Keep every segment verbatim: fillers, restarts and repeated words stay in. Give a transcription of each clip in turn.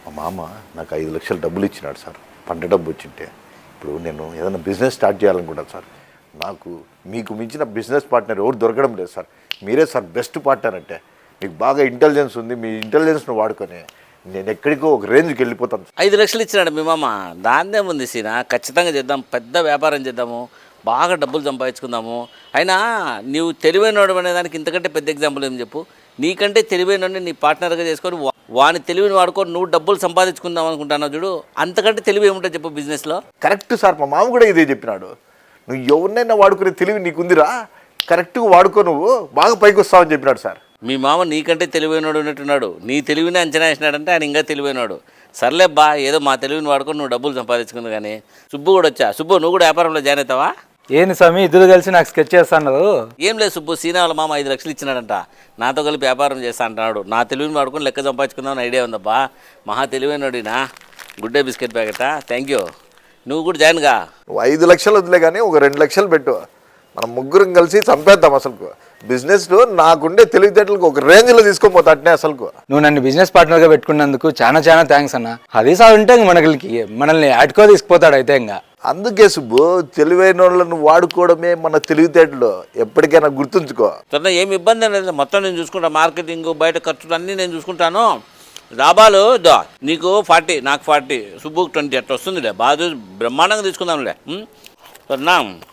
మా మామ నాకు ఐదు లక్షలు డబ్బులు ఇచ్చినాడు సార్, పంట డబ్బు వచ్చింటే. ఇప్పుడు నేను ఏదైనా బిజినెస్ స్టార్ట్ చేయాలనుకుంటాను సార్. నాకు మీకు మించిన బిజినెస్ పార్ట్నర్ ఎవరు దొరకడం లేదు సార్. మీరే సార్ బెస్ట్ పార్ట్నర్. అంటే మీకు బాగా ఇంటెలిజెన్స్ ఉంది, మీ ఇంటెలిజెన్స్ను వాడుకొని నేను ఎక్కడికో ఒక రేంజ్కి వెళ్ళిపోతాను. ఐదు లక్షలు ఇచ్చినాడు మీ మామ, దాన్నే ఉంది సీనా. ఖచ్చితంగా చేద్దాం, పెద్ద వ్యాపారం చేద్దాము, బాగా డబ్బులు సంపాదించుకుందాము. అయినా నువ్వు తెలివైనవాడు అనే దానికి ఇంతకంటే పెద్ద ఎగ్జాంపుల్ ఏం చెప్పు. నీకంటే తెలివైనవాడిని నీ పార్ట్నర్గా చేసుకొని వాని తెలివిని వాడుకొని నువ్వు డబ్బులు సంపాదించుకుందాం అనుకుంటున్నావు చూడు, అంతకంటే తెలివి ఏముంటుంది చెప్పు బిజినెస్లో. కరెక్ట్ సార్, మా మామ కూడా ఇదే చెప్పినాడు. నువ్వు ఎవరినైనా వాడుకునే తెలివి నీకుందిరా, కరెక్ట్గా వాడుకో, నువ్వు బాగా పైకి వస్తావని చెప్పినాడు సార్. మీ మామ నీకంటే తెలివైనవాడు ఉన్నట్టున్నాడు, నీ తెలివిని అంచనా వేసినాడంటే ఆయన ఇంకా తెలివైనవాడు. సర్లే బా, ఏదో మా తెలివిని వాడుకొని నువ్వు డబ్బులు సంపాదించుకుంది. కానీ సుబ్బు కూడా వచ్చా. సుబ్బు, నువ్వు కూడా వ్యాపారంలో జాయిన్ అవుతావా? ఏంది స్వామి ఇద్దరు కలిసి నాకు స్కెచ్ చేస్తాడు? ఏం లేదు సుబ్బు, సీనా వాళ్ళ మామ ఐదు లక్షలు ఇచ్చినాడంట, నాతో కలిపి వ్యాపారం చేస్తా అంటున్నాడు. నా తెలివిని వాడుకొని లెక్క సంపాదించుకుందామని ఐడియా ఉందబ్బా. మహా తెలివైనడినా. గుడ్ డే బిస్కెట్ ప్యాకెటా, థ్యాంక్ యూ. నువ్వు కూడా జాయిన్గా. నువ్వు ఐదు లక్షలు వదిలే కానీ ఒక రెండు లక్షలు పెట్టు, మనం ముగ్గురం కలిసి చంపేద్దాం. అసలు బిజినెస్లో నాకుండే తెలివితేటలకు ఒక రేంజ్లో తీసుకొని పోతా అట్నే. అసలు నువ్వు నన్ను బిజినెస్ పార్ట్నర్గా పెట్టుకున్నందుకు చాలా చాలా థ్యాంక్స్ అన్న. అది సార్ ఉంటే మనకి మనల్ని అటుకో తీసుకుపోతాడు అయితే. ఇంకా అందుకే సుబ్బు, తెలివైన వాళ్ళను వాడుకోవడమే మన తెలివితేటలు, ఎప్పటికైనా గుర్తుంచుకో. సరే, ఏమి ఇబ్బంది అనేది మొత్తం నేను చూసుకుంటా. మార్కెటింగ్, బయట ఖర్చులు అన్నీ నేను చూసుకుంటాను. లాభాలు దో నీకు ఫార్టీ, నాకు ఫార్టీ, సుబ్బుకి ట్వంటీ అట్లా వస్తుందిలే. బాగా బ్రహ్మాండంగా తీసుకుందాంలే. సరేనా?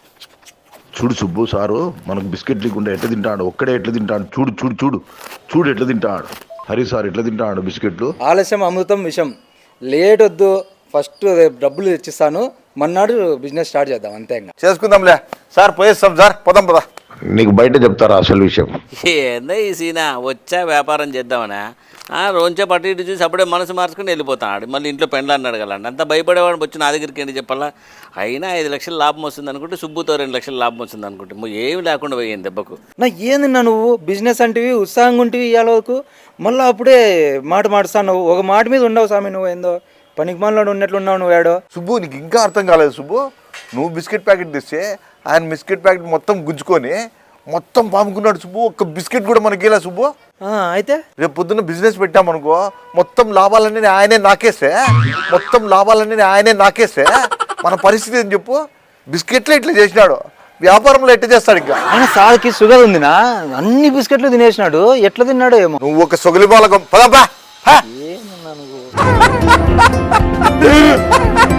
చూడు సుబ్బు సారు మనకు బిస్కెట్ లేకుండా ఎట్లా తింటాడు, ఒక్కడే ఎట్లా తింటాడు. చూడు చూడు చూడు చూడు ఎట్లా తింటాడు. హరి సార్ ఎట్లా తింటాడు బిస్కెట్లు. ఆలస్యం అమృతం విషయం. లేట్ వద్దు, ఫస్ట్ డబ్బులు తెచ్చిస్తాను, మన్నాడు బిజినెస్ స్టార్ట్ చేద్దాం. అంతే, ఇంకా చేసుకుందాంలే సార్. పోయేస్తాం సార్, పోదాం పదా. నీకు బయట చెప్తారా అసలు విషయం? ఏందో ఈ సీనా, వచ్చా వ్యాపారం చేద్దామనా, రోజే పట్టు ఇటు చూసి అప్పుడే మనసు మార్చుకుని వెళ్ళిపోతాడు. మళ్ళీ ఇంట్లో పెండ్లు అన్నాడు కదా, అంత భయపడేవాడు వచ్చి నా దగ్గరికి ఏంటి చెప్పాలా. అయినా ఐదు లక్షలు లాభం వస్తుంది అనుకుంటే, సుబ్బుతో రెండు లక్షలు లాభం వస్తుంది అనుకుంటే ఏమి లేకుండా పోయింది దెబ్బకు. నా ఏందిన్నా నువ్వు బిజినెస్ అంటివి, ఉత్సాహంగా ఉంటివి ఇవాళకు, మళ్ళీ అప్పుడే మాట మాడుస్తావు. ఒక మాట మీద ఉండవు స్వామి, నువ్వు ఏందో పనికి మనలో ఉన్నట్లున్నావు నువ్వు. ఏడో సుబ్బు, నీకు ఇంకా అర్థం కాలేదు సుబ్బు. నువ్వు బిస్కెట్ ప్యాకెట్ తెస్తే ఆయన బిస్కెట్ ప్యాకెట్ మొత్తం గుంజుకొని మొత్తం పాముకున్నాడు సుబ్బు. ఒక్క బిస్కెట్ కూడా మనకి ఇలా సుబ్బు. అయితే రేపు పొద్దున్న బిజినెస్ పెట్టామనుకో, మొత్తం లాభాలన్నీ ఆయనే నాకేస్తే మొత్తం లాభాలన్నీ ఆయనే నాకేస్తే మన పరిస్థితి ఏం చెప్పు. బిస్కెట్లే ఇట్లా చేసినాడు, వ్యాపారంలో ఎట్లా చేస్తాడు? ఇంకా ఆయన సార్కి షుగర్ ఉందినా, అన్ని బిస్కెట్లు తినేసినాడు. ఎట్లా తిన్నాడో ఏమో. నువ్వు ఒక సొగలి బాలకం పదబ్బా. ఏమన్నా నువ్వు